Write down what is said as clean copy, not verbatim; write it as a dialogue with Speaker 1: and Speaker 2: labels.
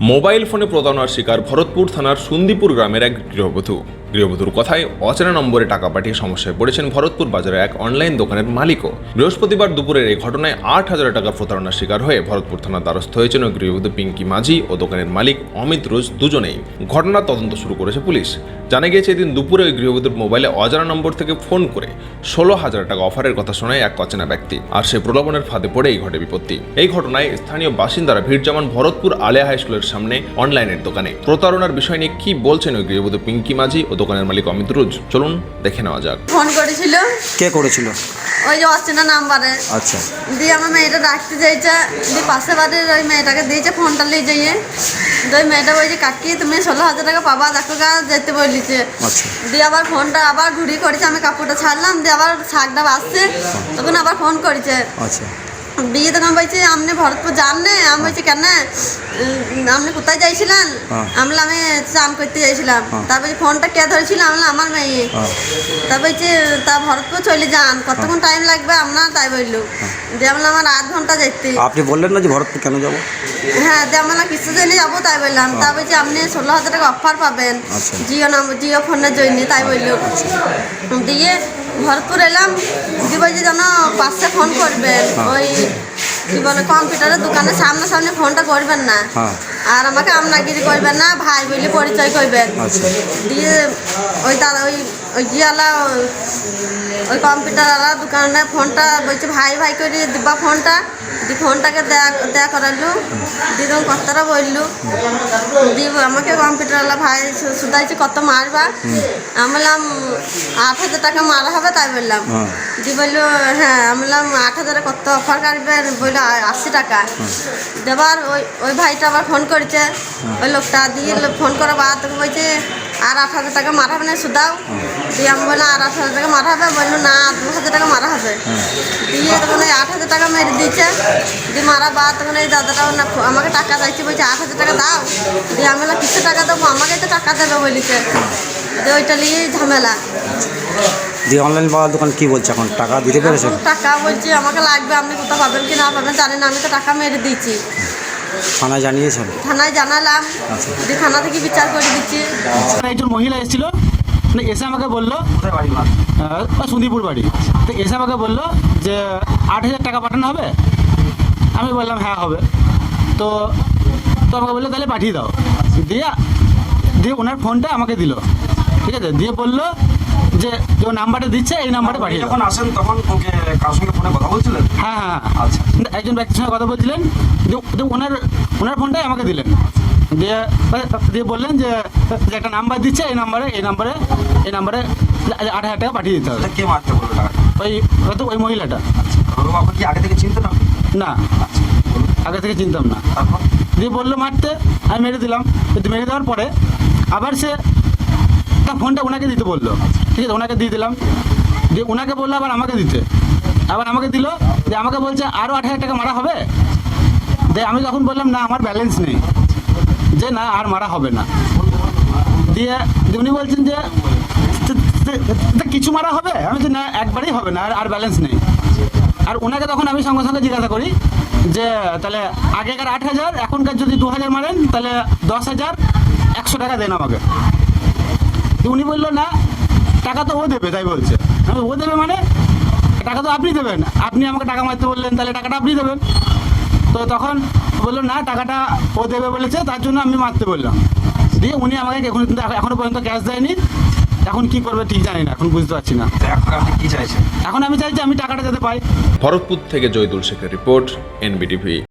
Speaker 1: Mobile ফোনে প্রতারণার শিকার ভরতপুর থানার সুন্দীপুর গ্রামের এক গৃহবধূর কথায় অচেনা নম্বরে টাকা পাঠিয়ে সমস্যায় পড়েছেন ভরতপুর বাজারে এক অনলাইন দোকানের মালিকও। বৃহস্পতিবার দুপুরের এই ঘটনায় 8,000 টাকা প্রতারণার শিকার হয়ে ভরতপুর থানার দ্বারস্থ হয়েছেন গৃহবধূ পিঙ্কি মাঝি ও দোকানের মালিক অমিত রোজ দুজনেই। ঘটনার তদন্ত শুরু করেছে পুলিশ। জানা গিয়েছে এদিন দুপুরে ওই গৃহবধূর মোবাইলে অজানা নম্বর থেকে ফোন করে 16,000 টাকা অফারের কথা শোনায় এক অচেনা ব্যক্তি, আর সে প্রলোভনের ফাঁদে পড়েই ঘটে বিপত্তি। এই ঘটনায় স্থানীয় বাসিন্দারা ভিড় জমান ভরতপুর আলিয়া হাই স্কুলের সামনে অনলাইনের দোকানে। প্রতারণার বিষয় নিয়ে কি বলছেন ওই গৃহবধূ পিঙ্কি মাঝি ও দোকানের মালিক অমিত রোজ, চলুন দেখে নেওয়া যাক।
Speaker 2: ফোন করেছিল।
Speaker 3: কে করেছিল?
Speaker 2: ওই যে অচেনা নাম্বারে।
Speaker 3: আচ্ছা।
Speaker 2: দিয়ে আমার মেয়েটা ডাকতে যাইছে, দিয়ে পাশে বাড়ির ওই মেয়েটাকে দিয়েছে ফোনটা নিয়ে যাইয়ে। ওই মেয়েটা বলছে কাকি তুমি 16,000 টাকা পাবা, দেখো গা যেতে বলিছে।
Speaker 3: আচ্ছা।
Speaker 2: দিয়ে আবার ফোনটা আবার ঘুরি করেছে, আমি কাপড়টা ছাড়লাম, দিয়ে আবার শাকটা বাসছে, তখন আবার ফোন করেছে।
Speaker 3: আচ্ছা।
Speaker 2: দিয়ে তখন বলছি আপনি ভরতপুর যান না? আমি বলছি কেন, আপনি কোথায় যাইছিলেন? আমি চান করতে যাইছিলাম। তারপর ফোনটা কে ধরেছিল? আমার মেয়ে। তা বলছি তা ভরতপুর চলে যান, কতক্ষণ টাইম লাগবে আপনার? তাই বললো। দিয়ে আমার 8 ঘন্টা যেতে।
Speaker 3: আপনি বললেন না যে ভরতপুর কেন যাবো?
Speaker 2: হ্যাঁ, দিয়ে আমরা কিছু জন্য যাবো, তাই বললাম। তা বলছি আপনি 16,000 টাকা অফার পাবেন জিও ফোনের জন্য, তাই বললো। দিয়ে ভরতপুর এলাম, দিয়ে বলছি যেন পাশে ফোন করবেন, ওই কি বলে কম্পিউটারের দোকানের সামনাসামনি ফোনটা করবেন না, আর আমাকে আমনাগিরি করবেন না, ভাই বলে পরিচয় করবেন। দিয়ে ওই দাদা ওই গিয়ালা ওই কম্পিউটারওয়ালা দোকানে ফোনটা বলছে ভাই ভাই করে দিবা ফোনটা। দিয়ে ফোনটাকে দেয়া করালো, দিয়ে তখন কতটা বললো। দিয়ে আমাকে কম্পিউটারওয়ালা ভাই শুধাইছে কত মারবা? আমি বললাম 8,000 টাকা মারা হবে, তাই বললাম। দিয়ে বললো হ্যাঁ। আমি বললাম 8,000 কত অফার কাটবেন? বললো 80 টাকা। দেবার ওই ভাইটা আবার ফোন করেছে, ওই লোকটা। দিয়ে ফোন করা বাদ তোকে বলছে আর 8,000 টাকা মারা হবে না, শুধাও। দিয়ে আমি বললাম আর 8,000 টাকা মারা হবে? বললো না 2,000 টাকা মারা হবে। দিয়ে তখন ওই 8,000 টাকা মেরে দিয়েছে। দিয়ে মারা বাদ তখন এই দাদাটাও না আমাকে টাকা চাইছে, বলছে 8,000 টাকা দাও। দিয়ে আমি বললাম কিছু টাকা দেবো, আমাকে তো টাকা দেবে বলেছে। দিয়ে ওইটা নিয়েই ঝামেলা।
Speaker 3: দিয়ে অনলাইন পাওয়ার দোকান কি বলছে এখন? টাকা দিতে পেরেছেন?
Speaker 2: টাকা বলছি আমাকে লাগবে, আপনি কোথাও পাবেন কি না পাবেন জানি না, আমি তো টাকা মেরে দিয়েছি।
Speaker 3: থানায় জানিয়েছেন?
Speaker 2: থানায় জানালাম, দিয়ে থানা থেকে বিচার করে দিচ্ছি।
Speaker 4: একজন মহিলা এসেছিল, এসে আমাকে বললো সুন্দীপুর বাড়ি, তো এসে আমাকে বললো যে 8,000 টাকা পাঠানো হবে। আমি বললাম হ্যাঁ হবে। তো আমাকে বললো তাহলে পাঠিয়ে দাও। দিয়ে ওনার ফোনটা আমাকে দিল, ঠিক আছে। দিয়ে বললো যে ও নাম্বারটা দিচ্ছে, এই নাম্বারে পাঠিয়ে
Speaker 5: যখন আসেন তখন ওকে কার সঙ্গে ফোনে কথা বলছিলেন?
Speaker 4: হ্যাঁ।
Speaker 5: আচ্ছা।
Speaker 4: একজন ব্যক্তির সঙ্গে কথা বলছিলেন, যে ওনার ফোনটাই আমাকে দিলেন। দিয়ে বললেন যে একটা নাম্বার দিচ্ছে, এই নাম্বারে 8,000 টাকা পাঠিয়ে দিতে হবে।
Speaker 5: কে মারতে বললো টাকা?
Speaker 4: ওই মহিলাটা।
Speaker 5: আপনি কি আগে থেকে চিনতেন?
Speaker 4: না, আগে থেকে চিনতাম না।
Speaker 5: তারপর
Speaker 4: দিয়ে বললো মারতে, আমি মেরে দিলাম। মেরে দেওয়ার পরে আবার সে তার ফোনটা ওনাকে দিতে বললো, ঠিক আছে, ওনাকে দিয়ে দিলাম। দিয়ে ওনাকে বললো আবার আমাকে দিতে, আবার আমাকে দিল। দিয়ে আমাকে বলছে আরও 8,000 টাকা মারা হবে। দিয়ে আমি তখন বললাম না আমার ব্যালেন্স নেই, যে না আর মারা হবে না। দিয়ে উনি বলছেন যে কিছু মারা হবে। আমি যে না একবারেই হবে না, আর ব্যালেন্স নেই। আর ওনাকে তখন আমি সঙ্গে সঙ্গে জিজ্ঞাসা করি যে তাহলে আগেকার 8,000 এখনকার যদি 2,000 মারেন তাহলে 10,100 টাকা দেন আমাকে। উনি বললো না টাকা তো ও দেবে, তাই বলছে। আমি ও দেবে মানে টাকা তো আপনি দেবেন, আপনি আমাকে টাকা মারতে বললেন, তাহলে টাকাটা আপনি দেবেন। তো তখন বললো না টাকাটা ও দেবে বলেছে, তার জন্য আমি মারতে বললাম। দিয়ে উনি আমাকে এখনো পর্যন্ত ক্যাশ দেয়নি। এখন কি করবে ঠিক জানি না, এখন বুঝতে পারছি না।
Speaker 5: এখন আপনি কি চাইছেন?
Speaker 4: এখন আমি চাইছি আমি টাকাটা যাতে পাই।
Speaker 1: ভরতপুর থেকে জয়দুল শেখের রিপোর্ট, NBTV।